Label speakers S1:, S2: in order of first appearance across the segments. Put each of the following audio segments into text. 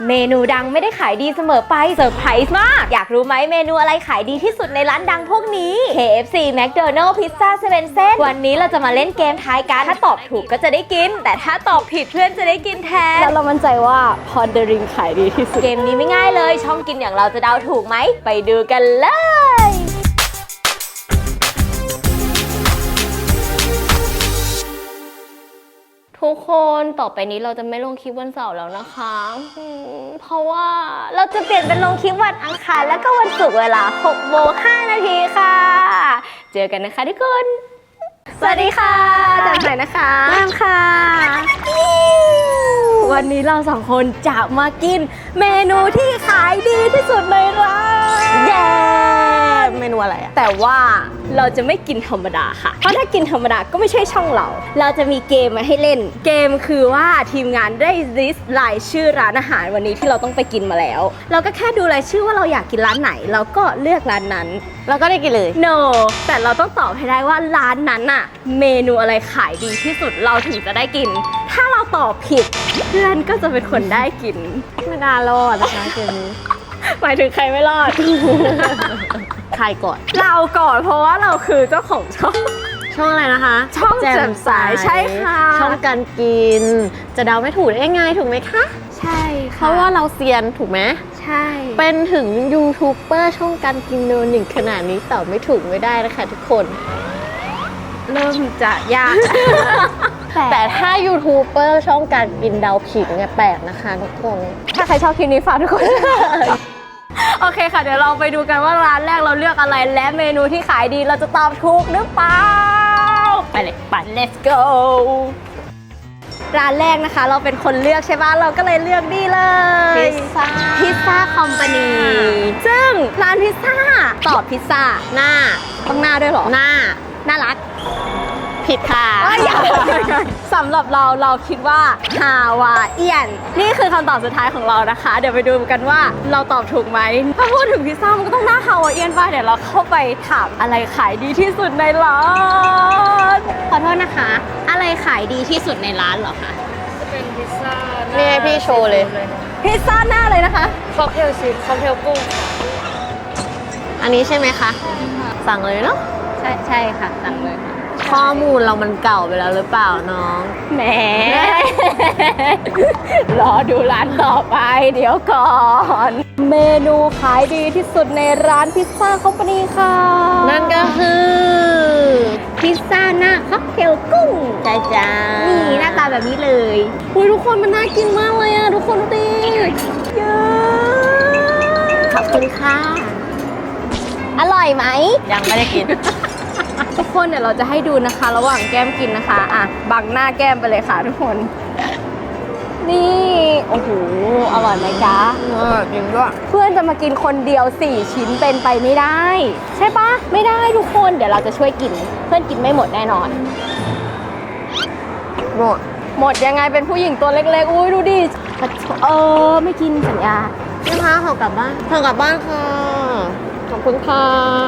S1: เมนูดังไม่ได้ขายดีเสมอไปเซอร์ไพรส์มากอยากรู้ไหมเมนูอะไรขายดีที่สุดในร้านดังพวกนี้ KFC McDonald's Pizza 7 วันนี้เราจะมาเล่นเกมทายกันถ้าตอบถูกก็จะได้กินแต่ถ้าตอบผิดเพื่อนจะได้กินแทนแล้วเรามั่นใจว่า Pondering ขายดีที่สุดเกมนี้ไม่ง่ายเลยช่องกินอย่างเราจะเดาถูกไหมไปดูกันเลยทุกคนต่อไปนี้เราจะไม่ลงคลิปวันเสาร์แล้วนะคะเพราะว่าเราจะเปลี่ยนเป็นลงคลิปวันอังคารและก็วันศุกร์เวลา 6:05 ค่ะเจอกันนะคะทุกคนสวัสดีค่ะจันใหม่นะคะแอมค่ะวันนี้เราสองคนจะมากินเมนูที่ขายดีที่สุดในร้านเย้เมนูอะไรอะแต่ว่าเราจะไม่กินธรรมดาค่ะเพราะถ้ากินธรรมดาก็ไม่ใช่ช่องเราจะมีเกมมาให้เล่นเกมคือว่าทีมงานได้ลิสต์รายชื่อร้านอาหารวันนี้ที่เราต้องไปกินมาแล้วเราก็แค่ดูรายชื่อว่าเราอยากกินร้านไหนเราก็เลือกร้านนั้นเราก็ได้กินเลย no แต่เราต้องตอบให้ได้ว่าร้านนั้นอะเมนูอะไรขายดีที่สุดเราถึงจะได้กินถ้าเราตอบผิดเพื่อนก็จะเป็นคนได้กินไม่น่ารอดนะคะเกมนี้หมายถึงใครไม่รอด ใครก่อนเราก่อนเพราะว่าเราคือเจ้าของช่องอะไรนะคะช่องแจ่มใสใช่ค่ะ
S2: ช่องการกินจะเดาไม่ถูกได้ไงถูกไหมคะ
S1: ใช่ค่ะ
S2: เพราะว่าเราเซียนถูกไหม
S1: ใช่
S2: เป็นถึงยูทูบเบอร์ช่องการกินโนหนึ่งขนาดนี้ตอบไม่ถูกไม่ได้นะคะทุกคน
S1: เริ่มจะยาก
S2: แต่ถ้ายูทูบเบอร์ช่องการกินเดาผิดเนี่ยแปลกนะคะทุกคน
S1: ถ้าใครชอบคลิปนี้ฝากทุกคน โอเคค่ะเดี๋ยวเราไปดูกันว่าร้านแรกเราเลือกอะไรและเมนูที่ขายดีเราจะตอบถูกหรือเปล่าไปเลยไป let's go ร้านแรกนะคะเราเป็นคนเลือกใช่ป่ะเราก็เลยเลือกนี่เลยพิซซ่าคอมพานีซึ่งร้านพิซซ่าตอบพิซซ่า
S2: หน้า
S1: ต้องหน้าด้วยเหรอ
S2: หน้า
S1: น่ารัก
S2: ผิดค่ะ
S1: สำหรับเราคิดว่าฮาวาเอียนนี่คือคำตอบสุดท้ายของเรานะคะเดี๋ยวไปดูกันว่าเราตอบถูกไหมถ้าพูดถึงพิซซ่ามันก็ต้องหน้าฮาวาเอียนป่ะเดี๋ยวเราเข้าไปถามอะไรขายดีที่สุดในร้านขอโทษนะคะอะไรขายดีที่สุดในร้านเหรอคะ
S3: จะเป็นพิซซ่า
S2: นี่ให้พี่โชว์เลย
S1: พิซซ่าหน้าเลยนะคะ
S3: ค็อกเทลชีสค็อกเทลกุ้ง
S2: อันนี้ใช่ไหมคะสั่งเลยเนาะ
S1: ใช่ค่ะสั่งเลย
S2: ข้อมูลเรามันเก่าไปแล้วหรือเปล่าน้อง
S1: แหม รอดูร้านต่อไปเดี๋ยวก่อนเมนูขายดีที่สุดในร้านพิซซ่าคอมพานีค่ะ
S2: นั่นก็คือ
S1: พิซซ่าหน้าค็อกเทลกุ้ง
S2: จ้า
S1: นี่หน้าตาแบบนี้เลย
S2: อุ้ยทุกคนมันน่ากินมากเลยอะทุกคนดูดิ
S1: เยอะ
S2: ขอบคุณค่ะ
S1: อร่อยไหม
S2: ยังไม่ได้กิน
S1: ทุกคนเดี๋ยวเราจะให้ดูนะคะระหว่างแก้มกินนะคะอ่ะบังหน้าแก้มไปเลยค่ะทุกคนนี่โอ้โหอร่อยไหมจ๊ะ
S2: จริงด้วย
S1: เพื่อนจะมากินคนเดียว4ชิ้นเป็นไปไม่ได้ใช่ปะไม่ได้ทุกคนเดี๋ยวเราจะช่วยกินเพื่อนกินไม่หมดแน่นอนหมดยังไงเป็นผู้หญิงตัวเล็กๆอุ้ยดูดิไม่กินสัญญา
S2: นะคะขอกลับบ้านค่ะขอบคุณค่ะ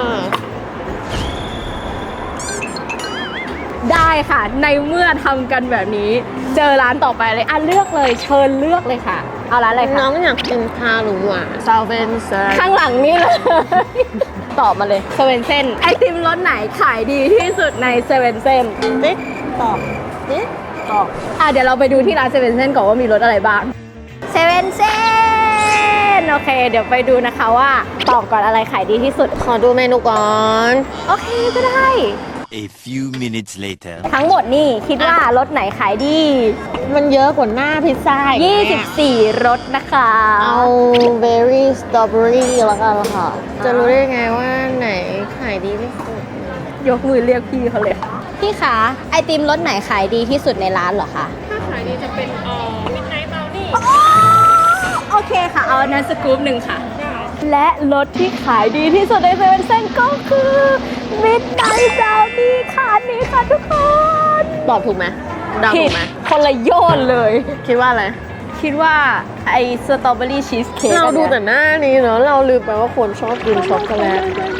S1: ได้ค่ะในเมื่อทำกันแบบนี้เจอร้านต่อไปเลยเลือกเลยเชิญเลือกเลยค่ะเอาร้านอะไรคะ
S2: น้องอยากกินชาหรือหวานซาเวนเซน
S1: ข้างหลังนี่เลยตอบมาเลยเซเว่นเซนไอติมรสไหนขายดีที่สุดในเซเว่นเซน
S2: ติ๊กตอบติ๊กตอบ
S1: เดี๋ยวเราไปดูที่ร้านเซเว่นเซนก่อนว่ามีรสอะไรบ้างเซเว่นเซนโอเคเดี๋ยวไปดูนะคะว่าตอบก่อนอะไรขายดีที่สุด
S2: ขอดูเมนูก่อน
S1: โอเคก็ได้
S4: A few minutes later
S1: ทั้งหมดนี่คิดว่ารสไหนขายดี
S2: มันเยอะกว่าหน้าพิซซ่า
S1: 24รสนะคะ
S2: เอา berry strawberry แล้วกันค่ะจะรู้ได้ไงว่าไหนขายดีที่สุด
S1: ยกมือเรียกพี่เขาเลยพี่คะไอติมรสไหนขายดีที่สุดในร้านเหรอคะ
S3: ถ้าขายดีจะเป็นMidnight Brownie
S1: โอเคค่ะเอานั้นสกู๊ปหนึ่งค่ะและรสที่ขายดีที่สุดในเซเว่นเซนก็คือมิดไนท์บราวนี่ค่ะนี่ค่ะทุกคน
S2: ตอบถูกไหมเดาถูกไหม
S1: คนละโยนเลย
S2: คิดว่าอะไร
S1: คิดว่าไอสตรอเบอรี่ชีสเค้ก
S2: เราดูแต่หน้านี้เนาะเราลืมไปว่าคนชอบกินช็อกโกแลต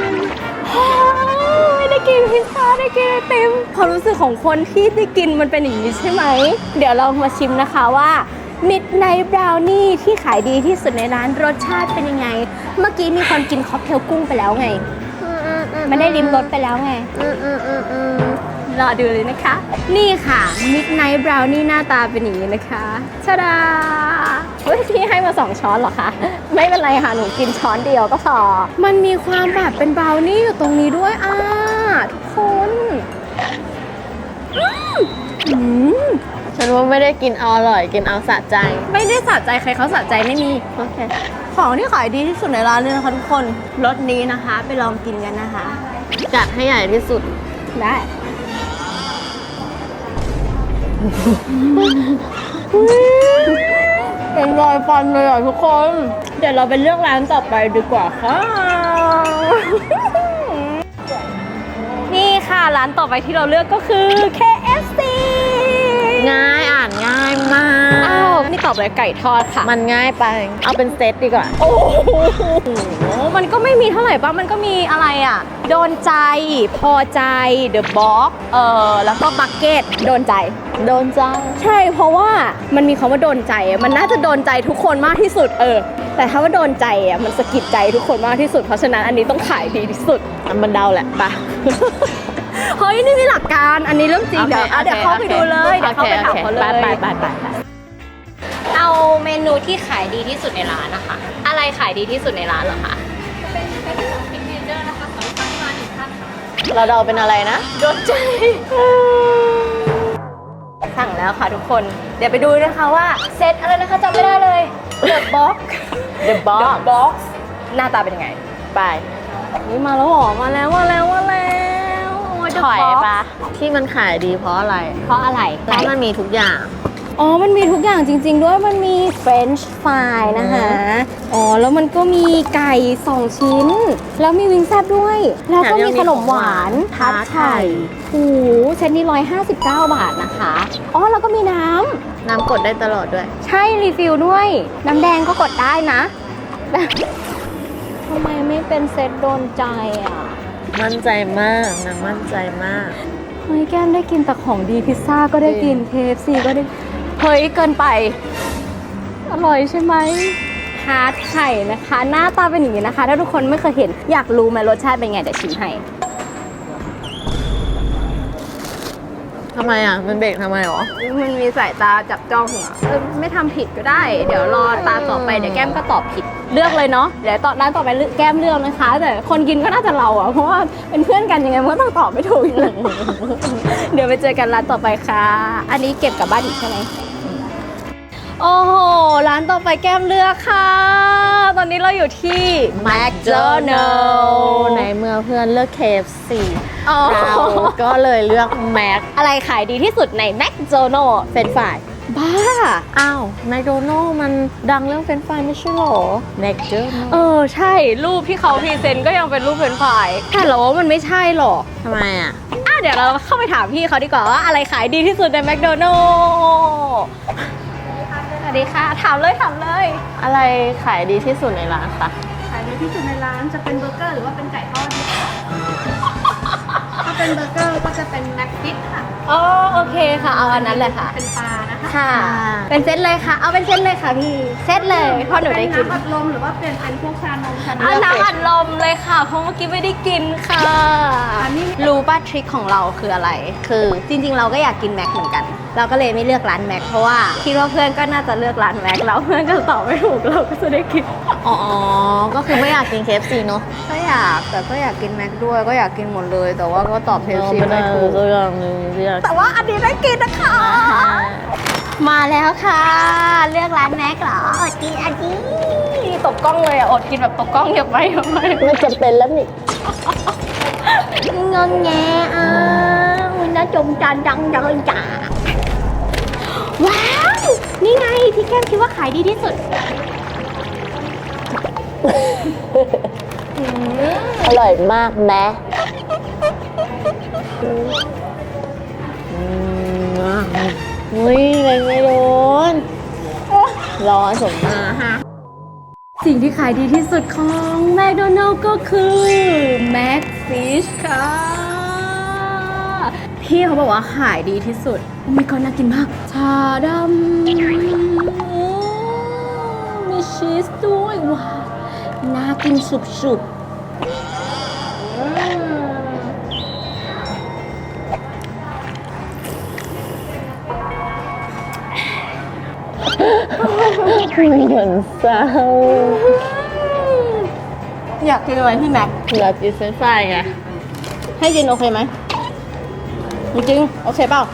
S1: ไม่ได้กินพิซซ่าได้กินไอติมความรู้สึกของคนที่ได้กินมันเป็นอย่างนี้ใช่ไหมเดี๋ยวเรามาชิมนะคะว่า Midnight Brownie ที่ขายดีที่สุดในร้านรสชาติเป็นยังไง เมื่อกี้มีคนกินค็อกเทลกุ้งไปแล้วไง มันได้ริมรสไปแล้วไง รอดูเลยนะคะ นี่ค่ะ Midnight Brownie หน้าตาเป็นอย่างนี้นะคะชาดาเฮ้ยพี่ให้มา2ช้อนเหรอคะ ไม่เป็นไรค่ะ หนูกินช้อนเดียวก็พอ มันมีความแบบเป็นบราวนี่อยู่ตรงนี้ด้วยทุกคนอืม
S2: ฉันว่าไม่ได้กินเอาอร่อยกินเอาสะใจ
S1: ไม่ได้สะใจใครเขาสะใจไม่มี
S2: โอเค
S1: ของที่ขายดีที่สุดในร้านเลยนะคะทุกคนรสนี้นะคะ ไปลองกินกันนะคะ
S2: จัดให้ใหญ่ที่สุด
S1: ได้เป็นรอยฟันเลยอ่ะทุกคน เดี๋ยวเราไปเลือกร้านต่อไปดีกว่าค่ะ นี่ค่ะร้านต่อไปที่เราเลือกก็คือ KFC
S2: ง่ายอ่านง่ายมาก
S1: อ้าวนี่ตอบเลยไก่ทอดค่ะ
S2: มันง่ายไป เอาเป็นเซตดีกว่า
S1: โอ้โหมันก็ไม่มีเท่าไหร่ป่ะ มันก็มีอะไรอ่ะ โดนใจ พอใจ The Box แล้วก็บักเก็ตโดนใจ
S2: โดนใจ
S1: ใช่ เพราะว่ามันมีคำว่าโดนใจอะมันน่าจะโดนใจทุกคนมากที่สุด แต่ถ้าว่าโดนใจอ่ะ มันสะกิดใจทุกคนมากที่สุด เพราะฉะนั้นอันนี้ต้องขายดีที่สุด
S2: มันเดาแหละปะ
S1: เฮ้ย นี่มีหลักการ อันนี้เรื่องจริง เดี๋ยวเดี๋ยวเข้าไปดูเลย เดี๋ยวเข้าไปถามเขาเลย
S2: ไป
S1: เอาเมนูที่ขายดีที่สุดในร้านนะคะ อะไรขายดีที่สุดในร้านเหรอคะ
S2: เราเดาเป็นอะไรนะ
S1: โดนใจ สั่งแล้วค่ะทุกคน เดี๋ยวไปดูนะคะว่าเซตอะไรนะคะจำไม่ได้เลย The Box
S2: The Box
S1: The Box หน้าตาเป็นยังไง
S2: ไป
S1: นี่มาแล้วหรอมาแล้วโอ้ย The
S2: ถอย
S1: Box
S2: ปะที่มันขายดีเพราะอะไร
S1: เพราะอะไร
S2: เพราะมันมีทุกอย่าง
S1: อ๋อ มันมีทุกอย่างจริง ๆ ด้วย มันมี French fry นะคะ อ๋อ แล้วมันก็มีไก่2ชิ้น แล้วมีวิงแซบด้วย แล้วก็มีขนมหวานทัดไข่โอ้โหเซตนี้159 บาทนะคะ อ๋อ แล้วก็มีน้ำ
S2: น้ำกดได้ตลอดด้วย
S1: ใช่รีฟิลด้วย น้ำแดงก็กดได้นะ ทำไมไม่เป็นเซตโดนใจอ่ะ
S2: มั่นใจมากนางมั่นใจมาก
S1: เฮ้ยแก้มได้กินแต่ของดีพิซซ่าก็ได้กิน KFC ก็ได้ เฮ้ยเกินไป อร่อยใช่ไหมฮาร์ดไข่นะคะ หน้าตาเป็นอย่างนี้นะคะ ถ้าทุกคนไม่เคยเห็นอยากรู้ไหมรสชาติเป็นไงเดี๋ยวชิมให้
S2: ทำไมอ่ะ มันเบรกทำไมหรอ
S1: มันมีสายตาจับจ้องอ่ะไม่ทำผิดก็ได้ เดี๋ยวรอตาต่อไปเดี๋ยวแก้มก็ตอบผิดเลือกเลยเนาะเดี๋ยวร้านต่อไปแก้มเลือกนะคะ แต่คนกินก็น่าจะเราอ่ะเพราะว่าเป็นเพื่อนกันยังไงมันก็ต้องตอบไม่ถูกอยู่แล้ว เดี๋ยวไปเจอกันร้านต่อไปค่ะ อันนี้เก็บกลับบ้านอีกใช่ไหมโอ้โหร้านต่อไปแก้มเลือกค่ะ ตอนนี้เราอยู่ที่ McDonald's
S2: ในเมื่อเพื่อนเลือก KFC
S1: อ๋อ
S2: เราก็เลยเลือกแม็ก
S1: อะไรขายดีที่สุดใน McDonald's
S2: เฟรนช์ฟราย
S1: บ้า
S2: อ้าวแมคโดนัลมันดังเรื่องเฟรนช์ฟรายไม่ใช่หรอแมคโดนัล
S1: ใช่รูปที่เขาพรีเซนต์ก็ยังเป็นรูปเฟรนช์ฟรายแต่เราว่ามันไม่ใช่หรอก
S2: ทำไมอ่ะ
S1: เดี๋ยวเราเข้าไปถามพี่เขาดีกว่าว่าอะไรขายดีที่สุดในแมคโดนัลล์สวัสดีค่ะ ถามเลย
S2: อะไรขายดีที่สุดในร้านคะ
S3: ขายดีที่สุดในร้านจะเป็นเบอร์เกอร์หรือว่าเป็นไก่ทอดดีคะถ้าเป็นเบอร์เกอร์ก็จะเป็นแม็กฟิตค่ะ
S1: อ๋อโอเคค่ะ เอาอันนั้นเลยค่ะ
S3: เป็นปลานะคะ
S1: ค่ะ เป็นเซตเลยค่ะ เอาเป็นเซตเลยค่ะพี่ เซตเลยเพราะหนูได้กิน
S3: น้ำอัดลมหรือว่าเป็นพวกชานมชา
S1: เอาน้ำอัดลมเลยค่ะ เพราะเมื่อกี้ไม่ได้กินค่ะ
S3: อันนี้
S1: รู้ป่ะทริคของเราคืออะไร
S2: คือ
S1: จริงๆ เราก็อยากกินแม็กเหมือนกัน เราก็เลยไม่เลือกร้านแม็กเพราะว่าคิดว่าเพื่อนก็น่าจะเลือกร้านแม็กแล้วเพื่อนก็ตอบไม่ถูกเราก็จะได้กิน
S2: อ๋อ ก็คือไม่อยากกิน KFC เนอะ
S1: ก็อยากแต่ก็อยากกินแม็กด้วยก็อยากกินหมดเลย แต่ว่าก็ตอบเทลซีไม่ถูก
S2: ตัวอย่างหนึ่งที่อยาก
S1: แต่ว่าอันนี้ได้กินนะคะ มาแล้วค่ะ เลือกร้านแม็กเหรออดกินอันนี้ตบกล้องเลยอ่ะอดกินแบบตบกล้องเยอะไป
S2: ไม่จำเป็นแล้วนี่
S1: งงแงอ่ะน่าจมจานดังเลยจ้าว้าว นี่ไงที่แก้มคิดว่าขายดีที่สุด
S2: อร่อยมากแม้อุ้ยไม่โดนร้อนสมมาฮะ
S1: สิ่งที่ขายดีที่สุดของแมคโดนัลล์ก็คือแม็กฟิชค่ะพี่เขาบอกว่าขายดีที่สุดโอ้ my god น่ากินมากชาดำชีสด้วยว้าวน่ากินสุบ
S2: เหมือนเศร้า
S1: อยากกินอะไรพี่แม็ก
S2: อยากกินเฟรนช์ฟรายไง
S1: ให้กินโอเคไหมจริงๆโอเคเปล่า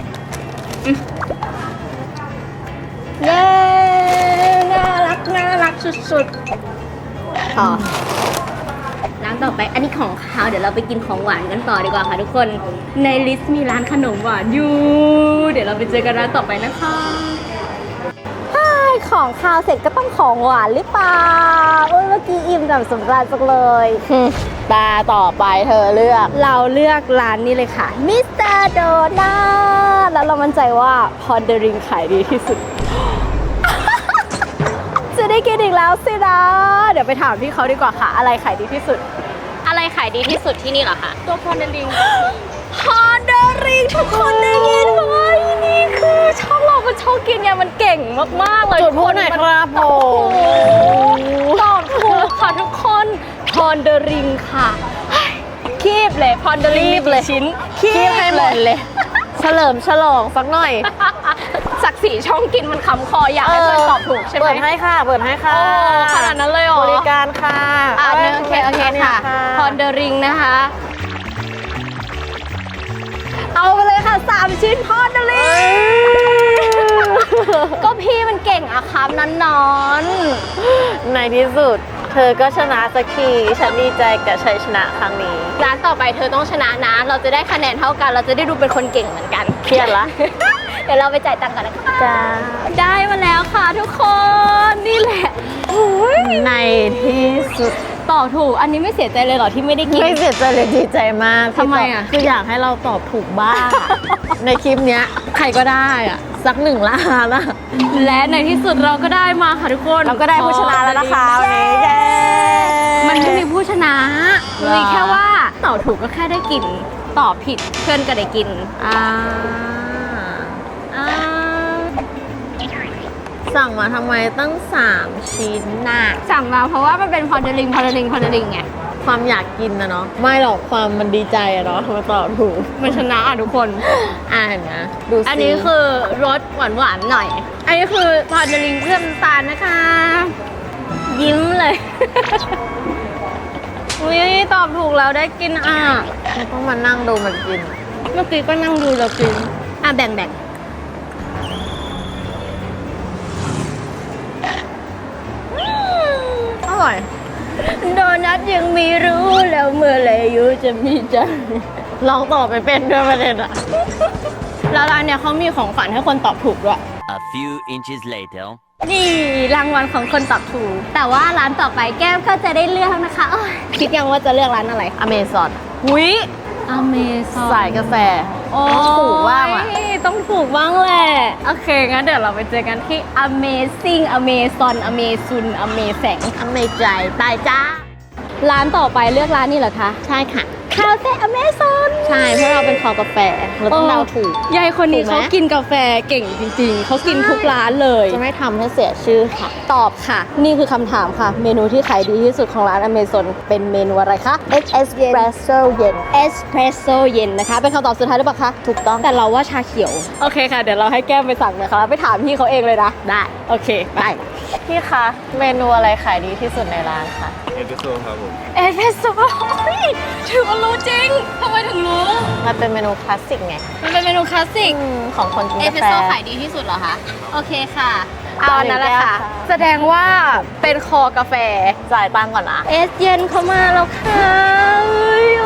S1: เย้น่ารักสุดๆต่อร้านต่อไปอันนี้ของคาวเดี๋ยวเราไปกินของหวานกันต่อดีกว่าค่ะทุกคนในลิสต์มีร้านขนมหวานอยู่เดี๋ยวเราไปเจอกันร้านต่อไปนะคะของคาวเสร็จก็ต้องของหวานหรือเปล่าเมื่อกี้อิ่มจำสำราญจังเลย
S2: ตาต่อไปเธอเลือก
S1: เราเลือกร้านนี้เลยค่ะมิสเตอร์โดนัทแล้วเรามั่นใจว่าพอนเดริงขายดีที่สุด จะได้กินอีกแล้วสินะเดี๋ยวไปถามพี่เขาดีกว่าค่ะ อะไรขายดีที่สุด
S2: อะไรขายดีที่สุดที่นี่เหรอคะ
S1: ตัวพอนเดริงพอนเดริงทุกคนได้ยินไหมนี่คือช่องเรามันช่องกินเนี่ยมันเก่งมากๆเลย
S2: จุดพูดหน่อยครับผม
S1: ตอบถูกค่ะทุกคนพอนเดริงค่ะคีบเลยพอนเดริง
S2: คีบเลย
S1: ชิ้น
S2: คีบให้หมดเลย เฉลิมฉลองสักหน่อย
S1: ศักดิ์ศรีช่องกินมันคำคออยากให้เพื่อนตอบถูกใช่ไหม
S2: เปิดให้ค่ะ เปิดให้ค่ะ
S1: โอ้ขนาดนั้นเลยเหรอบ
S2: ริการค่ะ
S1: โอเคค่ะพอนเดริงนะคะเอาไปเลยค่ะ3ชิ้นพอนเดริงก็พี่มันเก่งอะครับนั้นนอน
S2: ในที่สุด เธอก็ชนะสักทีฉันดีใจกับชัยชนะครั้งนี้
S1: ร้านต่อไปเธอต้องชนะนะ เราจะได้คะแนนเท่ากัน เราจะได้ดูเป็นคนเก่งเหมือนกัน
S2: เครียดละ
S1: เดี๋ยวเราไปจ่ายตังค์กันนะคะ
S2: จ้า
S1: ได้มาแล้วค่ะทุกคน นี่แหละโอ้ย
S2: ในที่สุด
S1: ตอบถูก อันนี้ไม่เสียใจเลยเหรอที่ไม่ได้กิน
S2: ไม่เสียใจเลยดีใจมาก
S1: ทำไมอะ
S2: คืออยากให้เราตอบถูกบ้าง ในคลิปเนี้ยใครก็ได้อะสัก1 ล้านอะ
S1: และในที่สุดเราก็ได้มาค่ะทุกคน
S2: เราก็ได้ผู้ชนะแล้วนะคะวันนี้เย้
S1: มันไม่มีผู้ชนะ
S2: หรอ
S1: มีแค่ว่าตอบถูกก็แค่ได้กิน ตอบผิดเพื่อนก็ได้กิน
S2: อ่า
S1: อ่า
S2: สั่งมาทำไมตั้ง3 ชิ้นน่ะ
S1: สั่งมาเพราะว่ามันเป็นพอเดลิงไง
S2: ความอยากกินนะเนาะไม่หรอกความมันดีใจอะเนาะมาตอบถูก
S1: มันชนะอ่ะทุกคน
S2: อ่านนะดูสิ
S1: อันนี้คือรสหวานๆหน่อย อันนี้คือพอเดลิงเครื่องน้ำตาลนะคะ ยิ้มเลย อุ้ยตอบถูกแล้วได้กินอ่ะ
S2: ไม่ต้องมานั่งดูมันกิน
S1: เมื่อกี้ก็นั่งดูเรากิน อ่ะแบ่ง
S2: อร่อย
S1: โดนัทยังมีรู้แล้วเมื่อไหรอยู่จะมีใจ
S2: ลองตอบไปเป็นด้วยประเด็นอะ
S1: แล้วร้านเนี่ยเขามีของฝันให้คนตอบถูกด้วย
S4: A few inches later.
S1: นี่รางวัลของคนตอบถูก แต่ว่าร้านต่อไปแก้มก็จะได้เลือกนะคะโอ๊ยคิดยังว่าจะเลือกร้านอะไร
S2: อเมซอน
S1: หุยอเมซอน
S2: สายกาแฟ
S1: โอ้
S2: ถูกบ้างอะ
S1: ต้องถูกบ้างแหละ โอเค งั้นเดี๋ยวเราไปเจอกันที่ Amazing Amazon Amazon Amazing
S2: อเมใจตายจ้า
S1: ร้านต่อไปเลือกร้านนี้เหรอคะ
S2: ใช่ค่ะ
S1: คาเฟ่ Amazon
S2: ใช่เพราะเราเป็นคอกาแฟเราต้องเดาถูก
S1: ยายคนนี้
S2: ถูกไหม
S1: เขากินกาแฟเก่งจริงๆ เขากินทุกร้านเลย
S2: จะไม่ทำให้เสียชื่อค่ะ
S1: ตอบค่ะ นี่คือคำถามค่ะ เมนูที่ขายดีที่สุดของร้าน Amazon เป็นเมนูอะไรคะ
S2: Espresso เย็น
S1: เอสเพรสโซเย็นนะคะ เป็นคำตอบสุดท้ายหรือเปล่าคะ
S2: ถูกต้อง
S1: แต่เราว่าชาเขียว โอเคค่ะ เดี๋ยวเราให้แก้มไปสั่งนะคะ ไปถามพี่เขาเองเลยนะ
S2: ได้
S1: โอเค ไป
S2: พี่คะ เมนูอะไรขายดีที่สุดในร้านคะ
S5: เอสเปรสโซ่ครับผม
S1: เอสเพรสโซ่ถือว่ารู้จริงทำไมถึงรู้
S2: มันเป็นเมนูคลาสสิกไง
S1: มันเป็นเมนูคลาสสิก
S2: ของคนกิน
S1: เอส
S2: กา
S1: เพร
S2: แฟ
S1: สโซ่ขายดีที่สุดเหรอคะ โอเคค่ะ เอาอันนั้นแหละค่ะ
S2: หนึ่งแก้วค่ะ
S1: แสดงว่าเป็นคอกาแฟ
S2: จ่ายตังค์ก่อนนะ
S1: เอสเย็นเข้ามาแล้วค่ะอุ้ย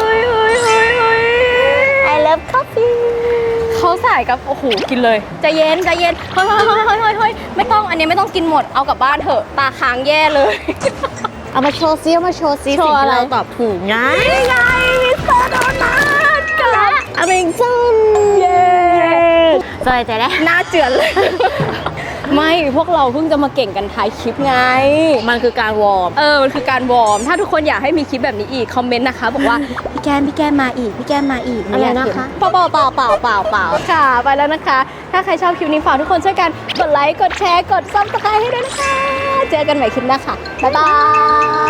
S2: I love coffee
S1: เขาใส่กับโอ้โหกินเลยใจเย็นเฮ้ยไม่ต้องอันนี้ไม่ต้องกินหมดเอากลับบ้านเถอะตาค้างแย่เลย
S2: เอามาโชว์ซิเอามาโชว์ซิ
S1: โช
S2: สิ่ง
S1: ว์
S2: ที่
S1: อะไร
S2: เราตอบถูกไง
S1: นี่ไงมิสเตอร์โดนัทกับ
S2: อเมซอน
S1: เย้
S2: สบายใจได้
S1: หน้าเจือนเลยไม่พวกเราเพิ่งจะมาเก่งกันถ่ายคลิปไง
S2: มันคือการวอร์ม
S1: มันคือการวอร์มถ้าทุกคนอยากให้มีคลิปแบบนี้อีกคอมเมนต์นะคะบอกว่าพี่แก้มมาอีกพี่แก้มมาอีก
S2: อะไรนะคะ
S1: เปล่าค่ะไปแล้วนะคะ ถ้าใครชอบคลิปนี้ฝากทุกคนช่วยกันกดไลค์กดแชร์กดซับสไครต์ให้ด้วยนะคะเจอกันใหม่คลิปหน้าค่ะบ๊ายบาย